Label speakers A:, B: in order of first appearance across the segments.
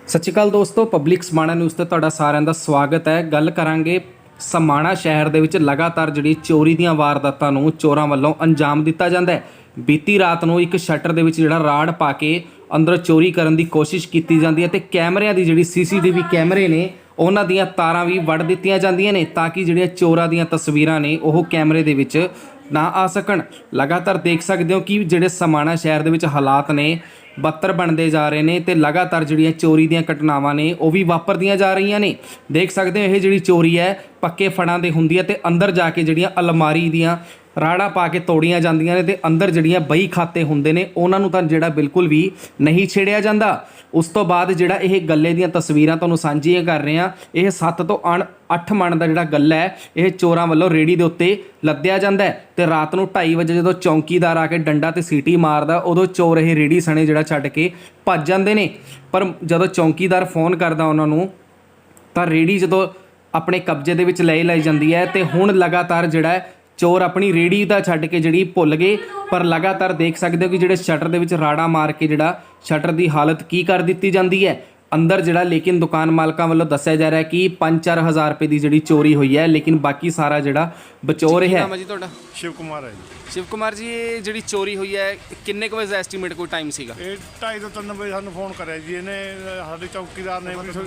A: ਸਤਿ ਸ਼੍ਰੀ ਅਕਾਲ ਦੋਸਤੋ, public Samana news ਤੇ ਤੁਹਾਡਾ ਸਾਰਿਆਂ ਦਾ ਸਵਾਗਤ ਹੈ। ਗੱਲ ਕਰਾਂਗੇ ਸਮਾਣਾ ਸ਼ਹਿਰ ਦੇ ਵਿੱਚ ਲਗਾਤਾਰ ਜਿਹੜੀ ਚੋਰੀ ਦੀਆਂ ਵਾਰਦਾਤਾਂ ਨੂੰ ਚੋਰਾਂ ਵੱਲੋਂ ਅੰਜਾਮ ਦਿੱਤਾ ਜਾਂਦਾ ਹੈ। ਬੀਤੀ ਰਾਤ ਨੂੰ ਇੱਕ ਸ਼ਟਰ ਦੇ ਵਿੱਚ ਜਿਹੜਾ ਰਾੜ ਪਾ ਕੇ ਅੰਦਰ ਚੋਰੀ ਕਰਨ ਦੀ ਕੋਸ਼ਿਸ਼ ਕੀਤੀ ਜਾਂਦੀ ਹੈ ਤੇ ਕੈਮਰਿਆਂ ਦੀ ਜਿਹੜੀ ਸੀਸੀਟੀਵੀ ਕੈਮਰੇ ਨੇ ਉਹਨਾਂ ਦੀਆਂ ਤਾਰਾਂ ਵੀ ਵੱਢ ਦਿੱਤੀਆਂ ਜਾਂਦੀਆਂ ਨੇ ਤਾਂ ਕਿ ਜਿਹੜੀਆਂ ਚੋਰਾਂ ਦੀਆਂ ਤਸਵੀਰਾਂ ਨੇ ਉਹ ਕੈਮਰੇ ਦੇ ਵਿੱਚ ਨਾ ਆ ਸਕਣ। ਲਗਾਤਾਰ ਦੇਖ ਸਕਦੇ ਹੋ ਕਿ ਜਿਹੜੇ ਸਮਾਣਾ ਸ਼ਹਿਰ ਦੇ ਵਿੱਚ ਹਾਲਾਤ ਨੇ ਬੱਤਰ ਬਣਦੇ ਜਾ ਰਹੇ ਨੇ ਤੇ ਲਗਾਤਾਰ ਜਿਹੜੀਆਂ ਚੋਰੀ ਦੀਆਂ ਘਟਨਾਵਾਂ ਨੇ ਉਹ ਵੀ ਵਾਪਰਦੀਆਂ ਜਾ ਰਹੀਆਂ ਨੇ। ਦੇਖ ਸਕਦੇ ਹੋ ਇਹ ਜਿਹੜੀ ਚੋਰੀ ਹੈ ਪੱਕੇ ਫੜਾਂ ਦੇ ਹੁੰਦੀ ਹੈ ਤੇ ਅੰਦਰ ਜਾ ਕੇ ਜਿਹੜੀਆਂ ਅਲਮਾਰੀ ਦੀਆਂ ਰਾੜਾ ਪਾ ਕੇ ਤੋੜੀਆਂ ਜਾਂਦੀਆਂ ਨੇ ਤੇ ਅੰਦਰ ਜਿਹੜੀਆਂ ਬਈ ਖਾਤੇ ਹੁੰਦੇ ਨੇ ਉਹਨਾਂ ਨੂੰ ਤਾਂ ਜਿਹੜਾ ਬਿਲਕੁਲ ਵੀ ਨਹੀਂ ਛੇੜਿਆ ਜਾਂਦਾ। ਉਸ ਤੋਂ ਬਾਅਦ ਜਿਹੜਾ ਇਹ ਗੱਲੇ ਦੀਆਂ ਤਸਵੀਰਾਂ ਤੁਹਾਨੂੰ ਸਾਂਝੀਆਂ ਕਰ ਰਹੇ ਹਾਂ, ਇਹ 7 ਤੋਂ 8 ਮਣ ਦਾ ਜਿਹੜਾ ਗੱਲਾ ਹੈ ਇਹ ਚੋਰਾਂ ਵੱਲੋਂ ਰੇੜੀ ਦੇ ਉੱਤੇ ਲੱਦਿਆ ਜਾਂਦਾ ਹੈ ਤੇ ਰਾਤ ਨੂੰ 2:30 ਵਜੇ ਜਦੋਂ ਚੌਂਕੀਦਾਰ ਆ ਕੇ ਡੰਡਾ ਤੇ ਸੀਟੀ ਮਾਰਦਾ ਉਦੋਂ ਚੋਰ ਇਹ ਰੇੜੀ ਸਣੇ ਜਿਹੜਾ ਛੱਡ ਕੇ ਭੱਜ ਜਾਂਦੇ ਨੇ। ਪਰ ਜਦੋਂ ਚੌਂਕੀਦਾਰ ਫੋਨ ਕਰਦਾ ਉਹਨਾਂ ਨੂੰ ਤਾਂ ਰੇੜੀ ਜਦੋਂ ਆਪਣੇ ਕਬਜ਼ੇ ਦੇ ਵਿੱਚ ਲਈ ਜਾਂਦੀ ਹੈ ਤੇ ਹੁਣ ਲਗਾਤਾਰ ਜਿਹੜਾ ਚੋਰ ਆਪਣੀ ਰੇੜੀ ਦਾ ਛੱਡ ਕੇ ਜਿਹੜੀ ਭੁੱਲ ਗਏ। ਪਰ ਲਗਾਤਾਰ ਦੇਖ ਸਕਦੇ ਹੋ ਕਿ ਜਿਹੜੇ ਸ਼ਟਰ ਦੇ ਵਿੱਚ ਰਾੜਾ ਮਾਰ ਕੇ ਜਿਹੜਾ ਸ਼ਟਰ ਦੀ ਹਾਲਤ ਕੀ ਕਰ ਦਿੱਤੀ ਜਾਂਦੀ ਹੈ ਅੰਦਰ ਜਿਹੜਾ। ਲੇਕਿਨ ਦੁਕਾਨ ਮਾਲਕਾਂ ਵੱਲੋਂ ਦੱਸਿਆ ਜਾ ਰਿਹਾ ਕਿ 5-4 ਹਜ਼ਾਰ ਰੁਪਏ ਦੀ ਜਿਹੜੀ ਚੋਰੀ ਹੋਈ ਹੈ ਲੇਕਿਨ ਬਾਕੀ ਸਾਰਾ ਜਿਹੜਾ ਬਚੋ ਰਿਹਾ ਹੈ।
B: ਨਾਮ ਹੈ ਜੀ ਤੁਹਾਡਾ?
C: शिव कुमार है जी।
B: ਸ਼ਿਵ ਕੁਮਾਰ ਜੀ, ਇਹ ਜਿਹੜੀ ਚੋਰੀ ਹੋਈ ਹੈ ਕਿੰਨੇ ਕੁ ਵਜੇ ਦਾ ਐਸਟੀਮੇਟ ਕੋਈ ਟਾਈਮ ਸੀਗਾ?
C: ਇਹ 2:30 ਤੋਂ 3 ਵਜੇ ਸਾਨੂੰ ਫੋਨ ਕਰਿਆ ਜੀ ਇਹਨੇ ਸਾਡੇ ਚੌਕੀਦਾਰ ਨੇ ਵੀ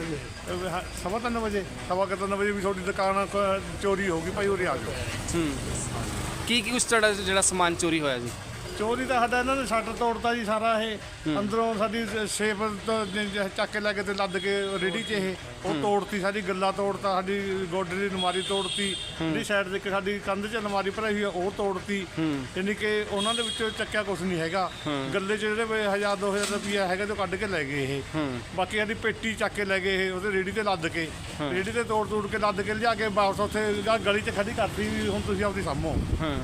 C: 3:15 ਵਜੇ 3:15 ਵਜੇ ਵੀ ਤੁਹਾਡੀ ਦੁਕਾਨ ਚੋਰੀ ਹੋ ਗਈ ਭਾਈ, ਉਰੇ ਆ ਜਾਓ।
B: ਕੀ ਕੁਛ ਤੁਹਾਡਾ ਜਿਹੜਾ ਸਮਾਨ ਚੋਰੀ ਹੋਇਆ ਜੀ?
C: ਚੋਰੀ ਤਾਂ ਸਾਡਾ ਇਹਨਾਂ ਨੇ ਸ਼ਟਰ ਤੋੜਤਾ ਜੀ ਸਾਰਾ। ਇਹ ਅੰਦਰੋਂ ਸਾਡੀ ਸੇਫ ਚੱਕ ਕੇ ਲੈ ਕੇ ਤੇ ਲੱਦ ਕੇ ਰੇੜੀ 'ਚ ਉਹ ਤੋੜਤੀ, ਸਾਡੀ ਗੱਲਾ ਤੋੜਤਾ, ਸਾਡੀ ਗੋਡੇ ਦੀ ਅਲਮਾਰੀ ਤੋੜਤੀ, ਜਿਹੜੀ ਸਾਈਡ ਦੇ ਸਾਡੀ ਕੰਧ 'ਚ ਅਲਮਾਰੀ ਭਰਾਈ ਹੋਈ ਆ ਉਹ ਤੋੜਤੀ। ਯਾਨੀ ਕਿ ਉਹਨਾਂ ਦੇ ਵਿੱਚੋਂ ਚੱਕਿਆ ਕੁਛ ਨਹੀਂ ਹੈਗਾ। ਗੱਲੇ 'ਚ ਜਿਹੜੇ 1000-2000 ਰੁਪਇਆ ਹੈਗਾ ਤੇ ਕੱਢ ਕੇ ਲੈ ਗਏ ਇਹ। ਬਾਕੀ ਸਾਡੀ ਪੇਟੀ ਚੱਕ ਕੇ ਲੈ ਗਏ ਇਹ, ਉਹਦੇ ਰੇੜੀ ਤੇ ਲੱਦ ਕੇ, ਰੇੜੀ ਤੇ ਤੋੜ ਕੇ ਲੱਦ ਕੇ ਲਿਜਾ ਕੇ ਵਾਪਸ ਉੱਥੇ ਗਲੀ 'ਚ ਖੜੀ ਕਰਤੀ ਵੀ ਹੁਣ ਤੁਸੀਂ ਆਪਦੀ ਸਾਹਮੋ।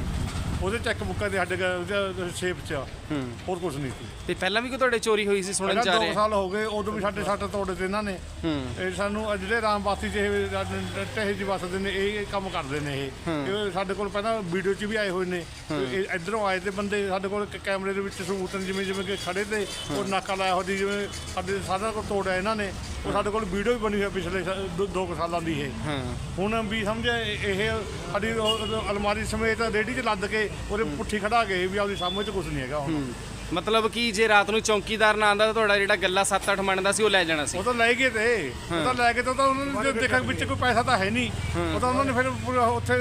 C: ਉਹਦੇ ਚੈੱਕ ਬੁੱਕਾਂ ਦੇ ਸਾਡੇ ਸ਼ੇਪ 'ਚ ਹੋਰ ਕੁਝ ਨਹੀਂ ਸੀ।
B: ਤੇ ਪਹਿਲਾਂ ਵੀ ਕੋਈ ਤੁਹਾਡੇ ਚੋਰੀ ਹੋਈ ਸੀ ਸੁਣਨ ਚ ਆ
C: 2
B: ਰਿਹਾ?
C: ਸਾਲ ਹੋ ਗਏ, ਉਦੋਂ ਵੀ ਸਾਡੇ ਸੱਟ ਤੋੜੇ ਤੇ ਇਹਨਾਂ ਨੇ। ਇਹ ਸਾਨੂੰ ਜਿਹੜੇ ਰਾਮਬਾਤੀ 'ਚ ਇਹ ਟਹੇ ਜੀ ਵਸਦੇ ਨੇ ਇਹ ਕੰਮ ਕਰਦੇ ਨੇ। ਇਹ ਸਾਡੇ ਕੋਲ ਪਹਿਲਾਂ ਵੀਡੀਓ 'ਚ ਵੀ ਆਏ ਹੋਏ ਨੇ। ਇੱਧਰੋਂ ਆਏ ਤੇ ਬੰਦੇ ਸਾਡੇ ਕੋਲ ਕੈਮਰੇ ਦੇ ਵਿੱਚ ਸਬੂਤ ਜਿਵੇਂ ਕਿ ਖੜੇ ਤੇ ਉਹ ਨਾਕਾ ਲਾਇਆ ਹੋਦੀ, ਜਿਵੇਂ ਸਾਡੇ ਸਾਰਾ ਕੁਝ ਤੋੜਿਆ ਇਹਨਾਂ ਨੇ। ਉਹ ਸਾਡੇ ਕੋਲ ਵੀਡੀਓ ਵੀ ਬਣੀ ਹੋਈ ਪਿਛਲੇ 2 ਸਾਲਾਂ ਦੀ। ਇਹ ਹੁਣ ਵੀ ਸਮਝੇ ਇਹ ਸਾਡੀ ਅਲਮਾਰੀ ਸਮੇਤ ਰੇੜੀ 'ਚ ਲੱਦ ਕੇ ਉਹਦੇ ਪੁੱਠੀ ਖੜਾ ਗਏ ਵੀ ਆਪਦੀ ਸਾਹਮਣੇ 'ਚ ਕੁਝ ਨਹੀਂ ਹੈਗਾ ਹੁਣ।
B: ਮਤਲਬ ਕਿ ਜੇ ਰਾਤ ਨੂੰ ਚੌਂਕੀਦਾਰ ਨਾ ਆਂਦਾ ਤਾਂ ਤੁਹਾਡਾ ਜਿਹੜਾ ਗੱਲਾ 7-8 ਮਣ ਦਾ ਸੀ ਉਹ ਲੈ ਜਾਣਾ ਸੀ?
C: ਉਹ ਤਾਂ ਲੈ ਗਏ ਤੇ ਉਹ ਤਾਂ ਲੈ ਕੇ ਤਾਂ ਉਹਨਾਂ ਨੇ ਦੇਖਿਆ ਵਿੱਚ ਕੋਈ ਪੈਸਾ ਤਾਂ ਹੈ ਨਹੀਂ। ਉਹ ਤਾਂ ਉਹਨਾਂ ਨੇ ਫਿਰ ਉੱਥੇ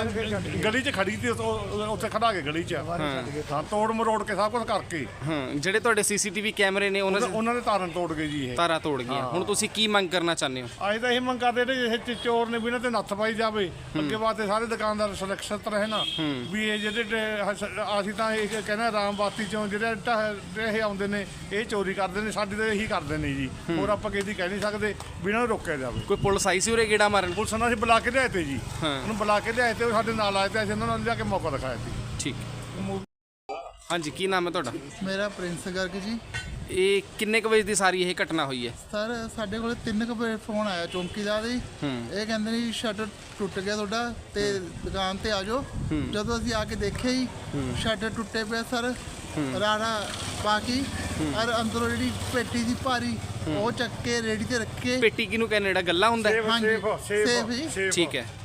C: ਗਲੀ 'ਚ ਖੜੀ ਸੀ, ਉੱਥੇ ਖੜਾ ਕੇ ਗਲੀ 'ਚ ਹਾਂ ਤੋੜ ਮਰੋੜ ਕੇ ਸਭ ਕੁਝ ਕਰਕੇ।
B: ਜਿਹੜੇ ਤੁਹਾਡੇ ਸੀਸੀਟੀਵੀ ਕੈਮਰੇ ਨੇ
C: ਉਹਨਾਂ ਦੇ ਤਾਰਾਂ ਤੋੜ ਗਏ ਜੀ। ਇਹ
B: ਤਾਰਾਂ ਤੋੜ ਗਈਆਂ। ਹੁਣ ਤੁਸੀਂ ਕੀ ਮੰਗ ਕਰਨਾ ਚਾਹੁੰਦੇ ਹੋ?
C: ਅਸੀਂ ਤਾਂ ਇਹ ਮੰਗ ਕਰਦੇ ਨੇ ਇਹ ਚੋਰ ਨੇ ਵੀ ਇਹਨਾਂ ਤੇ ਨੱਥ ਪਾਈ ਜਾਵੇ। ਅੱਗੇ ਵਾਸਤੇ ਸਾਰੇ ਦੁਕਾਨਦਾਰ ਸੁਰੱਖਿਅਤ ਰਹੇ ਨਾ ਵੀ ਇਹ ਜਿਹੜੇ ਅਸੀਂ ਤਾਂ ਇਹ ਕਹਿੰਦੇ ਰਾਮਬਾਤੀ ਚੋਂ ਜਿਹੜੇ ਇਹ ਆਉਂਦੇ ਨੇ ਇਹ ਚੋਰੀ ਕਰਦੇ ਨੇ, ਸਾਡੀ ਤਾਂ ਇਹੀ ਕਰਦੇ ਨੇ ਜੀ। ਹੋਰ ਆਪਾਂ ਕਿਸੇ ਦੀ ਕਹਿ ਨਹੀਂ ਸਕਦੇ ਵੀ ਇਹਨਾਂ ਨੂੰ ਰੋਕਿਆ ਜਾਵੇ।
B: ਕੋਈ ਪੁਲਿਸ ਆਈ ਸੀ ਉਰੇ ਗੇੜਾ ਮਾਰਨ?
C: ਪੁਲਿਸ ਨੂੰ ਅਸੀਂ ਬੁਲਾ ਕੇ ਲਿਆਏ ਤੇ ਜੀ, ਉਹਨੂੰ ਬੁਲਾ ਕੇ ਲਿਆਏ ਤੇ ਉਹ ਸਾਡੇ ਨਾਲ ਆਏ ਤੇ ਅਸੀਂ ਉਹਨਾਂ ਨੂੰ ਲਿਆ ਕੇ ਮੌਕਾ ਦਿਖਾਇਆ ਸੀ।
B: ਠੀਕ। ਹਾਂਜੀ, ਕੀ ਨਾਮ ਹੈ ਤੁਹਾਡਾ?
D: ਮੇਰਾ ਪ੍ਰਿੰਸ ਗਰਗ ਜੀ।
B: ਇਹ ਕਿੰਨੇ ਕੁ ਵਜੇ ਦੀ ਸਾਰੀ ਇਹ ਘਟਨਾ ਹੋਈ ਹੈ?
D: ਸਰ ਸਾਡੇ ਕੋਲ 3 ਵਜੇ ਫੋਨ ਆਇਆ ਚੌਂਕੀਦਾਰ ਦੀ। ਇਹ ਕਹਿੰਦੇ ਨੇ ਸ਼ਟਰ ਟੁੱਟ ਗਿਆ ਤੁਹਾਡਾ ਤੇ ਦੁਕਾਨ ਤੇ ਆ ਜਾਓ। ਜਦੋਂ ਅਸੀਂ ਆ ਕੇ ਦੇਖਿਆ ਹੀ ਸ਼ਟਰ ਟੁੱਟੇ ਪਿਆ ਸਰ, ਰਾੜਾ ਪਾ ਕੇ ਔਰ ਅੰਦਰੋਂ ਜਿਹੜੀ ਪੇਟੀ ਦੀ ਭਾਰੀ ਉਹ ਚੱਕ ਕੇ ਰੇੜੀ ਤੇ ਰੱਖੇ।
B: ਪੇਟੀ ਕਿਹਨੂੰ ਕਹਿੰਦੇ? ਜਿਹੜਾ ਗੱਲਾ ਹੁੰਦਾ ਹੈ?
D: ਸੇਫ ਜੀ।
B: ਠੀਕ ਹੈ।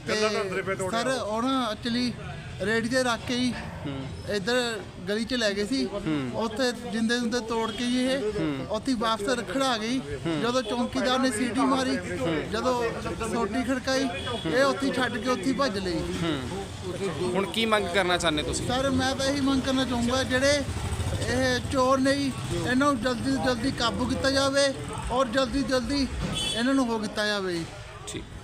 D: ਸਰ ਉਹ ਨਾ ਐਕਚੁਅਲੀ ਰੇੜੀ ਤੇ ਰੱਖ ਕੇ ਹੀ ਇੱਧਰ ਗਲੀ 'ਚ ਲੈ ਗਏ ਸੀ। ਉੱਥੇ ਜਿੰਦੇ ਜੁੰਦੇ ਤੋੜ ਕੇ ਜੀ ਇਹ ਉੱਥੇ ਵਾਪਸ ਰੱਖੜਾ ਆ ਗਈ। ਜਦੋਂ ਚੌਂਕੀਦਾਰ ਨੇ ਸੀਟੀ ਮਾਰੀ, ਜਦੋਂ ਸੋਟੀ ਖੜਕਾਈ, ਇਹ ਉੱਥੇ ਛੱਡ ਕੇ ਉੱਥੇ ਭੱਜ ਲਈ।
B: ਹੁਣ ਕੀ ਮੰਗ ਕਰਨਾ ਚਾਹੁੰਦੇ ਤੁਸੀਂ?
D: ਸਰ ਮੈਂ ਤਾਂ ਇਹੀ ਮੰਗ ਕਰਨਾ ਚਾਹੂੰਗਾ ਜਿਹੜੇ ਇਹ ਚੋਰ ਨੇ ਜੀ ਇਹਨਾਂ ਨੂੰ ਜਲਦੀ ਤੋਂ ਜਲਦੀ ਕਾਬੂ ਕੀਤਾ ਜਾਵੇ ਔਰ ਜਲਦੀ ਇਹਨਾਂ ਨੂੰ ਹੋ ਕੀਤਾ ਜਾਵੇ ਜੀ।
B: ਠੀਕ।